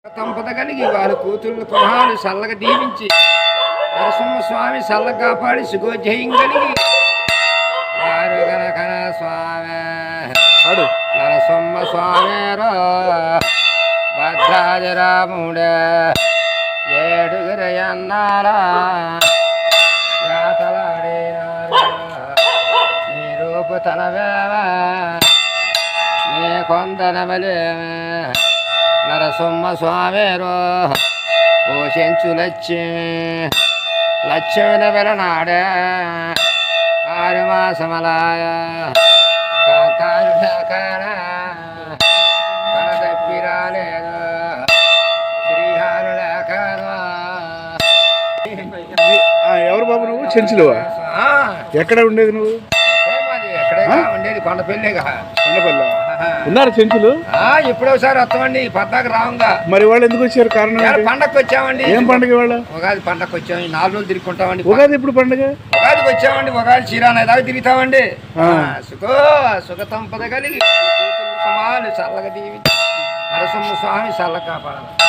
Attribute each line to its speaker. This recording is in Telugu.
Speaker 1: సంపద కలిగి వారి కూతుళ్ళు కుమారులు చల్లగా దీవించి నరసింహస్వామి చల్ల కాపాడి సుగోజయం కలిగి వారు గనకన స్వామి నరసింహ స్వామి భద్రాజరాముడే ఏడుగురు అన్నారా నీ రూపు తనవేవా నీ కొందనమలేమే నరసింహ స్వామిరో పోషించు లక్ష్మిని వెలనాడే 6 మాసమలాయ కాకాలు లేకన తన తప్పి రాలేదు శ్రీహారు లేకను.
Speaker 2: ఎవరు బాబు నువ్వు? చెంచులువా? ఎక్కడ ఉండేది నువ్వు?
Speaker 1: ఎక్కడే ఉండేది కొండపల్లిగా.
Speaker 2: కొండపల్లి ఉన్నారు చెంచులు?
Speaker 1: ఎప్పుడో ఒకసారి వస్తామండి పద్దాకు రావంగా.
Speaker 2: మరి వాళ్ళు ఎందుకు వచ్చారు? కారణం
Speaker 1: పండగకి వచ్చామండి.
Speaker 2: ఏం పండుగ? వాళ్ళ
Speaker 1: ఉగాది పండగకి వచ్చాము. 4 రోజులు తిరుగుకుంటామండి.
Speaker 2: ఉగాది ఎప్పుడు పండుగ?
Speaker 1: ఉగాదికి వచ్చామండి. ఉగాది చీరాన దాకా తిరుగుతామండి. సుఖ సంపద కలిగి కుమారులు చల్లగా దీవించి నరసింహ స్వామి చల్ల కాపాడాలి.